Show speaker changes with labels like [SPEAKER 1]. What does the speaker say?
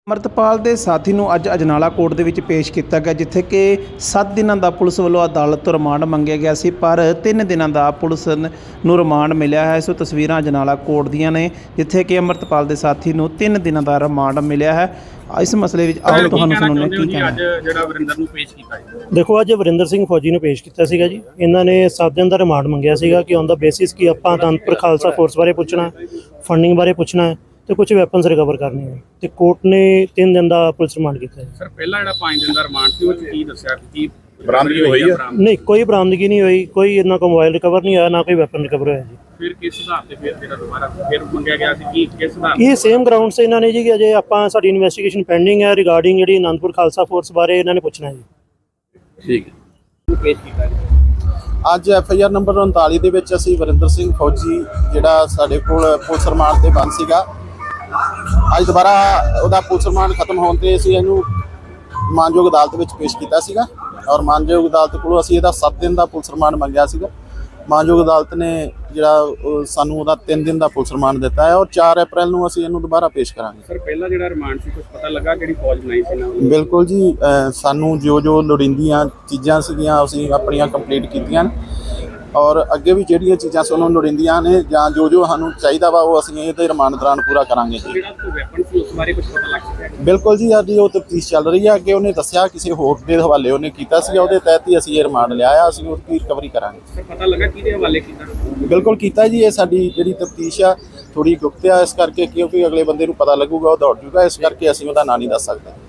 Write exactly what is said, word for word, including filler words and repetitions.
[SPEAKER 1] ਅਮਰਤਪਾਲ ਦੇ ਸਾਥੀ ਨੂੰ ਅੱਜ ਅਜਨਾਲਾ ਕੋਰਟ ਦੇ ਵਿੱਚ ਪੇਸ਼ ਕੀਤਾ ਗਿਆ, ਜਿੱਥੇ ਕਿ ਸੱਤ ਦਿਨਾਂ ਦਾ ਪੁਲਿਸ ਵੱਲੋਂ ਅਦਾਲਤ ਤੋਂ ਰਿਮਾਂਡ ਮੰਗਿਆ ਗਿਆ ਸੀ, ਪਰ ਤਿੰਨ ਦਿਨਾਂ ਦਾ ਪੁਲਿਸ ਨੂੰ ਰਿਮਾਂਡ ਮਿਲਿਆ ਹੈ। ਸੋ ਤਸਵੀਰਾਂ ਅਜਨਾਲਾ ਕੋਰਟ ਦੀਆਂ ਨੇ, ਜਿੱਥੇ ਕਿ ਅਮਰਤਪਾਲ ਦੇ ਸਾਥੀ ਨੂੰ ਤਿੰਨ ਦਿਨਾਂ ਦਾ ਰਿਮਾਂਡ ਮਿਲਿਆ ਹੈ। ਇਸ ਮਸਲੇ ਵਿੱਚ ਆਓ ਤੁਹਾਨੂੰ ਸੁਣਾਉਂਦੇ ਕੀ ਕਹਿਣਾ।
[SPEAKER 2] ਅੱਜ ਜਿਹੜਾ ਵਰਿੰਦਰ ਨੂੰ ਪੇਸ਼ ਕੀਤਾ ਹੈ,
[SPEAKER 3] ਦੇਖੋ ਅੱਜ ਵਰਿੰਦਰ ਸਿੰਘ ਫੌਜੀ ਨੂੰ ਪੇਸ਼ ਕੀਤਾ ਸੀਗਾ ਜੀ। ਇਹਨਾਂ ਨੇ ਸੱਤ ਦਿਨ ਦਾ ਰਿਮਾਂਡ ਮੰਗਿਆ ਸੀਗਾ ਕਿ ਔਨ ਦਾ ਬੇਸਿਸ ਕਿ ਆਪਾਂ ਅਨੰਦਪੁਰ ਖਾਲਸਾ ਫੋਰਸ ਬਾਰੇ ਪੁੱਛਣਾ, ਫੰਡਿੰਗ ਬਾਰੇ ਪੁੱਛਣਾ ਹੈ ਤੇ ਕੁਝ ਵੈਪਨਸ ਰਿਕਵਰ ਕਰਨੇ ਹੈ, ਤੇ ਕੋਰਟ ਨੇ ਤਿੰਨ ਦਿਨ ਦਾ ਪੁਲਿਸ ਰਿਮਾਂਡ ਕੀਤਾ ਹੈ।
[SPEAKER 2] ਸਰ ਪਹਿਲਾਂ ਜਿਹੜਾ ਪੰਜ ਦਿਨ ਦਾ ਰਿਮਾਂਡ ਸੀ ਉਹ 'ਚ ਕੀ ਦੱਸਿਆ ਕਿ
[SPEAKER 4] ਬਰਾਮਦਗੀ ਹੋਈ ਹੈ?
[SPEAKER 3] ਨਹੀਂ, ਕੋਈ ਬਰਾਮਦਗੀ ਨਹੀਂ ਹੋਈ, ਕੋਈ ਇਹਨਾਂ ਕੋਲ ਮੋਬਾਈਲ ਰਿਕਵਰ ਨਹੀਂ ਹੋਇਆ, ਨਾ ਕੋਈ ਵੈਪਨ ਰਿਕਵਰ ਹੋਇਆ ਜੀ।
[SPEAKER 2] ਫਿਰ ਕਿਸ ਹਿਸਾਬ ਤੇ ਫਿਰ ਜਿਹੜਾ ਦੁਬਾਰਾ ਫਿਰ ਮੰਗਿਆ ਗਿਆ ਸੀ ਕਿ ਕਿਸ ਹਿਸਾਬ
[SPEAKER 3] ਇਹ ਸੇਮ ਗਰਾਊਂਡ 'ਤੇ ਇਹਨਾਂ ਨੇ ਜੀ ਕਿ ਅਜੇ ਆਪਾਂ ਸਾਡੀ ਇਨਵੈਸਟੀਗੇਸ਼ਨ ਪੈਂਡਿੰਗ ਹੈ ਰਿਗਾਰਡਿੰਗ ਜਿਹੜੀ ਅਨੰਦਪੁਰ ਖਾਲਸਾ ਫੋਰਸ ਬਾਰੇ ਇਹਨਾਂ ਨੇ ਪੁੱਛਣਾ ਹੈ ਜੀ।
[SPEAKER 4] ਠੀਕ ਹੈ।
[SPEAKER 2] ਨੂੰ ਪੇਸ਼ ਕੀਤਾ ਗਿਆ।
[SPEAKER 4] ਅੱਜ ਐਫ ਆਈ ਆਰ ਨੰਬਰ ਉਨਤਾਲੀ ਦੇ ਵਿੱਚ ਅਸੀਂ ਵਰਿੰਦਰ ਸਿੰਘ ਫੌਜੀ ਜਿਹੜਾ ਸਾਡੇ ਕੋਲ ਪੁਲਿਸ ਰਿਮਾਂਡ ਤੇ ਬੰਦ ਸੀਗਾ, ਅੱਜ ਦੁਬਾਰਾ ਉਹਦਾ ਪੁਲਿਸ ਰਿਮਾਂਡ ਖਤਮ ਹੋਣ ਤੇ ਅਸੀਂ ਇਹਨੂੰ ਮਾਨਯੋਗ ਅਦਾਲਤ ਵਿੱਚ ਪੇਸ਼ ਕੀਤਾ ਸੀਗਾ, ਔਰ ਮਾਨਯੋਗ ਅਦਾਲਤ ਕੋਲੋਂ ਅਸੀਂ ਇਹਦਾ ਸੱਤ ਦਿਨ ਦਾ ਪੁਲਿਸ ਰਿਮਾਂਡ ਮੰਗਿਆ ਸੀਗਾ। ਮਾਨਯੋਗ ਅਦਾਲਤ ਨੇ ਜਿਹੜਾ ਸਾਨੂੰ ਉਹਦਾ ਤਿੰਨ ਦਿਨ ਦਾ ਪੁਲਿਸ ਰਿਮਾਂਡ ਦਿੱਤਾ ਹੈ, ਔਰ ਚਾਰ ਅਪ੍ਰੈਲ ਨੂੰ ਅਸੀਂ ਇਹਨੂੰ ਦੁਬਾਰਾ ਪੇਸ਼ ਕਰਾਂਗੇ।
[SPEAKER 2] ਸਰ ਪਹਿਲਾਂ ਜਿਹੜਾ ਰਿਮਾਂਡ ਸੀ ਕੁਝ ਪਤਾ ਲੱਗਾ ਕਿਹੜੀ ਫੌਜ ਬਣਾਈ ਸੀ ਨਾ?
[SPEAKER 4] ਬਿਲਕੁਲ ਜੀ, ਸਾਨੂੰ ਜੋ ਜੋ ਲੋੜੀਂਦੀਆਂ ਚੀਜ਼ਾਂ ਸੀਗੀਆਂ ਅਸੀਂ ਆਪਣੀਆਂ ਕੰਪਲੀਟ ਕੀਤੀਆਂ, ਔਰ ਅੱਗੇ ਵੀ ਜਿਹੜੀਆਂ ਚੀਜ਼ਾਂ ਸਾਨੂੰ ਲੋੜੀਂਦੀਆਂ ਨੇ ਜਾਂ ਜੋ ਜੋ ਸਾਨੂੰ ਚਾਹੀਦਾ ਵਾ ਉਹ ਅਸੀਂ ਇਹਦੇ ਰਿਮਾਂਡ ਦੌਰਾਨ ਪੂਰਾ ਕਰਾਂਗੇ ਜੀ।
[SPEAKER 2] ਜਿਹੜਾ ਕੋਈ ਵੈਪਨ ਸੀ ਉਸ ਬਾਰੇ ਕੁਝ ਪਤਾ ਲੱਗ ਸਕਿਆ?
[SPEAKER 4] ਬਿਲਕੁਲ ਜੀ, ਸਾਡੀ ਉਹ ਤਫਤੀਸ਼ ਚੱਲ ਰਹੀ ਹੈ। ਅੱਗੇ ਉਹਨੇ ਦੱਸਿਆ ਕਿਸੇ ਹੋਰ ਦੇ ਹਵਾਲੇ ਉਹਨੇ ਕੀਤਾ ਸੀ, ਉਹਦੇ ਤਹਿਤ ਹੀ ਅਸੀਂ ਇਹ ਰਿਮਾਂਡ ਲਿਆ ਆ, ਅਸੀਂ ਉਹਦੀ ਰਿਕਵਰੀ ਕਰਾਂਗੇ।
[SPEAKER 2] ਸਰ ਪਤਾ ਲੱਗਾ ਕਿਹਦੇ ਹਵਾਲੇ ਕੀਤਾ?
[SPEAKER 4] ਬਿਲਕੁਲ ਕੀਤਾ ਜੀ, ਇਹ ਸਾਡੀ ਜਿਹੜੀ ਤਫਤੀਸ਼ ਆ ਥੋੜੀ ਗੁਪਤ ਆ, ਇਸ ਕਰਕੇ ਕਿਉਂਕਿ ਅਗਲੇ ਬੰਦੇ ਨੂੰ ਪਤਾ ਲੱਗੂਗਾ ਉਹ ਦੌੜ ਜੂਗਾ, ਇਸ ਕਰਕੇ ਅਸੀਂ ਉਹਦਾ ਨਾਂ ਨਹੀਂ ਦੱਸ ਸਕਦੇ।